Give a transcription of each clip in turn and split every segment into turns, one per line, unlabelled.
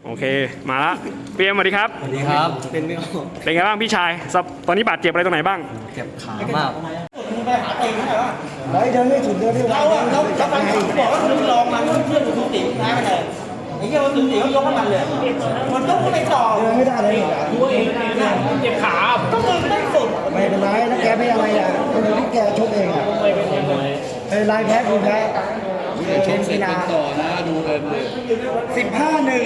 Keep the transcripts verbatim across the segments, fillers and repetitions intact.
โอเคมาละพี่เอ็มสวัสดีครับ
สวัสดีครับเป็นไม่ออก
เป็นไงบ้างพี่ชายตอนนี้บาดเจ็บอะไรตรงไหนบ้าง
เจ็บขามาก
ไปหาตีนเท่าไหร่วะเราเดินไม่ถึงเดินไม่เราเราเราไปบอกว่าคุณลองมันเพื่อนคุณติ๋วแพ้ไปเลยไอ้เหี้ยคุณติ๋วเขายกให้มันเลยมันต้องไม่ต่อเดินไม่ได้เลยตัวเองเจ็บขาต้องมึงไม่สุดไม่เป็นไรแล้วแกไม่อะไรอ่ะคนที่แกชกเองอ่ะเป็นไรแพ้คุณแพ้เช่นกีฬาต่อนะดูเลยสิบห้าหนึ่ง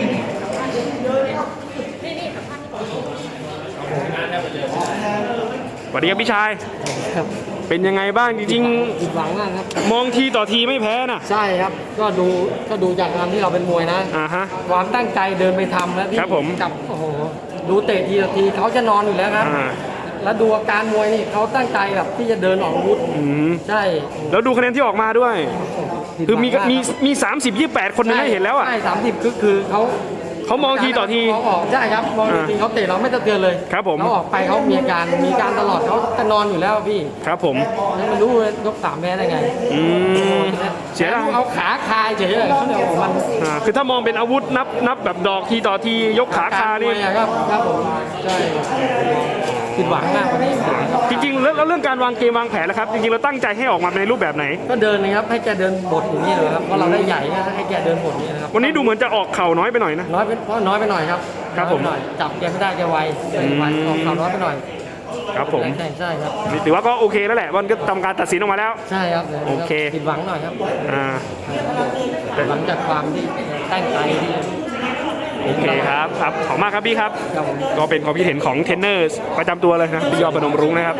สวัสดีครับพี่ชายเป็นยังไงบ้างจริงๆ
ผิดหวังมากครับ
มองทีต่อทีไม่แพ้นะ
ใช่ครับก็ดูก็ดูจากการที่เราเป็นมวยนะ
อ่าฮะ
ความตั้งใจเดินไปทำแล้วที่กับโอ้โหดูเตะทีต่อทีเขาจะนอนอยู่แล้วครับแล้วดูอาการมวยนี่เขาตั้งใจแบบที่จะเดินออกอาวุธใช่
แล้วดูคะแนนที่ออกมาด้วยคือมีมีมีสามสิบยี่แปดคนนึงให้เห็นแล้วอ่ะ
ใช่สามสิบคือคือเขา
เขามองทีต่อที
เขาออกใช่ครับมองทีเขาเตะเราไม่สะเทือนเลย
ครับผม
เขาออกไปเขามีการมีการตลอดเขาจะนอนอยู่แล้วพี่
ครับผม
แล้วไม่รู้ยกสามแพ้ได้ไง
อืมเสียดาย
เอาขาคายเฉยเลยเขาเดียวมัน
คือถ้ามองเป็นอาวุธนับนับแบบดอกทีต่อทียกขาคานี่
ครับครับผมใช่ผิดหวังมากวันนี้
จริงๆแล้วเรื่องการวางเกมวางแผนแล้วครับจริงๆเราตั้งใจให้ออกมาในรูปแบบไหน
ก็เดินนะครับให้แกเดินบทอย่างนี้เลยครับเพราะเราได้ใหญ่ให้แกเดินบทนี้นะครับ
วันนี้ดูเหมือนจะออกเข่าน้อยไปหน่อยนะ
น้อยเป็นเพราะน้อยไปหน่อยครับ
ครับผม
จับแกไม่ได้แกไวไวออกเข่าน้อยไปหน่อย
ครับผม
ใช่ใช่ครับ
ถือว่าก็โอเคแล้วแหละวันก็ทำการตัดสินออกมาแล้ว
ใช่ครับ
โอเค
ผิดหวังหน่อยครับ
อ่า
หลังจากความที่ตั้งใจที่
โอเคครับครับขอบมากครับพี่ครับก็เป็นความคิดเห็นของเทรนเนอร์ประจำตัวเลยนะพี่ยอดพนมรุ้งนะครับ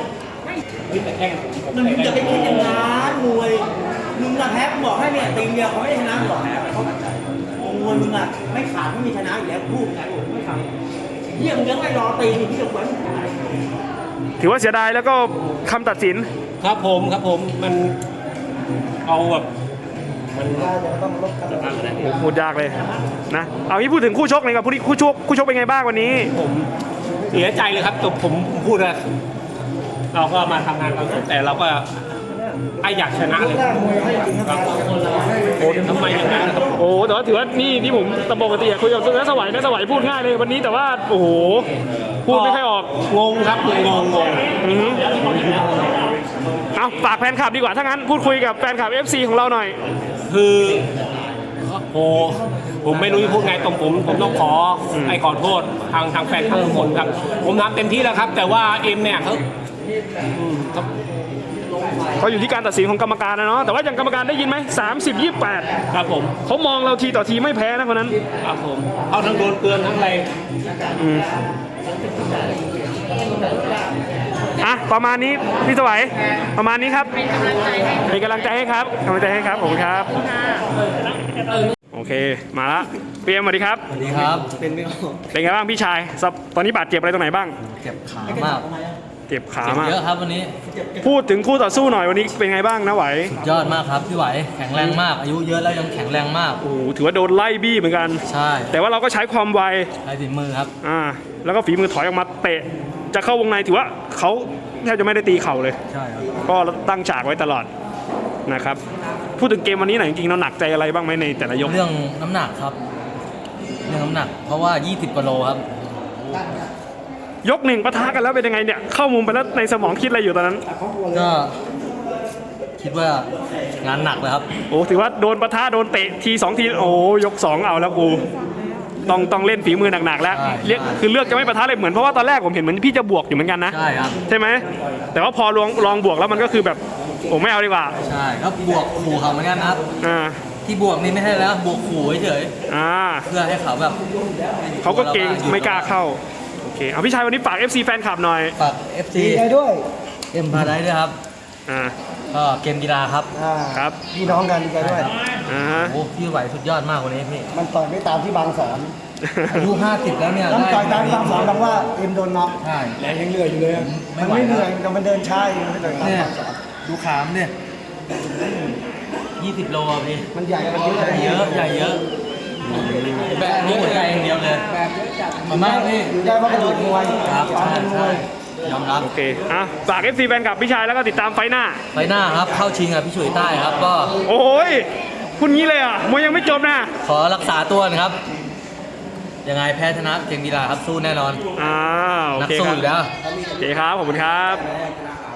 มึงจะไปคิดอย่างนั้นมวยมึงอะแพ้บอกให้เนี่ยตีเดียวเขาไม่ชนะหรอกเขามวยมึงอะไม่ขาดไม่มีชนะอยู่แล้วพูดไงไม่ขาดเยี่ยมยังไม่รอตีที่จะเหมือน
ถือว่าเสียดายแล้วก็คำตัดสิน
ครับผมครับผมมันเอาแบบมัน
พูดยากเลยนะเอางี้พูดถึงคู่ชกเลยครับคู่ชกคู่ชกเป็นไงบ้างวันนี้
ผมเสียใจเลยครับแต่ผมพูดนะเราก็มาทำงานกันแต่เราก็ไออยากชนะเลยโอ้ทำไมอย่างนั้นครับ
โอ้แต่ว่าถือว่านี่ที่ผมตะปกติคุยกับนักสวัยนักสวัยพูดง่ายเลยวันนี้แต่ว่าโอ้โหพูดไม่ค่อยออก
งงครับงงงง
เอาฝากแฟนคลับดีกว่าถ้างั้นพูดคุยกับแฟนคลับ เอฟ ซี ของเราหน่อย
คือโอ้ผมไม่รู้จะพูดไงตรงผมผมต้องขอไอ้ขอโทษทางทางแฟนคลับทุกคนครับผมทำเต็มที่แล้วครับแต่ว่าเอ็มเนี่ยเขา
เขาอยู่ที่การตัดสินของกรรมการนะเนาะแต่ว่าอย่างกรรมการได้ยินไหมสามสิบยี่แปด
ครับผม
เขามองเราทีต่อทีไม่แพ้นะคนนั้น
ครับผมเขาทั้งโดนเตือนทั้งอะไร
อ่ะประมาณนี้พี่สวัยประมาณนี้ครับเป็นกำลังใจให้ครับกำลังใจให้ครับผมครับโอเคมาละพี่เอ็มสวัสดีครับ
สวัสดีครับเป็นไม่ออก
เป็นไงบ้างพี่ชายตอนนี้บาดเจ็บอะไรตรงไหนบ้าง
เจ็บขามาก
เจ็บขามาก
เยอะครับวันนี้
พูดถึงคู่ต่อสู้หน่อยวันนี้เป็นไงบ้างนะไหว
ยอดมากครับพี่ไหวแข็งแรงมากอายุเยอะแล้วยังแข็งแรงมาก
โอ้ถือว่าโดนไล่บี้เหมือนกัน
ใช่
แต่ว่าเราก็ใช้ความไว
ใช้ฝีมือครับ
อ่าแล้วก็ฝีมือถอยออกมาเตะจะเข้าวงในถือว่าเขาแทบจะไม่ได้ตีเข่าเลย
ใช่ครับ
ก็ตั้งฉากไว้ตลอดนะครับพูดถึงเกมวันนี้หน่อยจริงๆเราหนักใจอะไรบ้างไหมในแต่ละยก
เรื่องน้ำหนักครับเรื่องน้ำหนักเพราะว่ายี่สิบกิโลครับ
ยกหนึ่งปะทะกันแล้วเป็นยังไงเนี่ยเข้ามุมไปแล้วในสมองคิดอะไรอยู่ตอนนั้น
ก็คิดว่างานหนักเลยครับ
โอ้ถือว่าโดนปะทะโดนเตะทีสองทีโอ้ยกสองเอาแล้วกูต้องต้องเล่นฝีมือหนักๆแล้วเรียกคือเลือกจะไม่ปะทะเลยเหมือนเพราะว่าตอนแรกผมเห็นเหมือนพี่จะบวกอยู่เหมือนกันนะ
ใช่ครับ
ใช่ไหมแต่ว่าพอลองลองบวกแล้วมันก็คือแบบผมไม่เอาดีกว่า
ใช่ก็บวกขู่เขาเหมือนกันครับ
อ่า
ที่บวกนี่ไม่ใช่แล้วบวกขู่เฉย
อ่า
เพื่อให้เขาแบบ
เขาก็เก่งไม่กล้าเข้าโอเคเอาพี่ชายวันนี้ฝาก เอฟ ซี แฟนคลับหน่อย
ฝาก เอฟ ซี
ได้ด้วย
เอ็มพาได้ด้วยครับ
อ่า
ก็เกมกีฬาครับ
ครับ
พี่น้องกันดีใจด้วย
อ่า
โอ้พี่ไหวสุดยอดมากวันนี้พี่
มันต่อยไม่ตามที่บางสอน
อายุห้าสิบแล้วเนี่ย
ต้องต่อยตามบางสอนบางว่าเอ็มโดนน็อก
ใช่
แรงยังเหนื่อยอยู่เลยมันไม่เหนื่อยแต่มันเดินช้าอยู่ไม่ต่อยตามบางสอน
ดูขามเนี่ยยี่สิบโลพี่
มันใหญ่มันเยอะ
เยอะใหญ่เยอะแบบนี้หัวใจอย่างเดียวเลย
แบบเยอะจัด
มากพี่
อยู่ได้เพราะกระโดดมวย
ครับใช่ใช่ยอมรับ
โอเคอ่ะฝาก เอฟ ซี แฟนคลับพี่ชายแล้วก็ติดตามไฟหน้า
ไฟหน้าครับเข้าชิงกับพี่ฉุยใต้ครับก็
โอ้ยคุณงี้เลยอ่ะมวยยังไม่จบนะ
ขอรักษาตัวนะครับ
ยังไงแพ้ชนะเก่งกีฬาครับสู้แน่นอน
อ่าโอ
นัก
เค
สู้
ครับ
อยู่แล้ว
โอเคครับขอบคุณครับ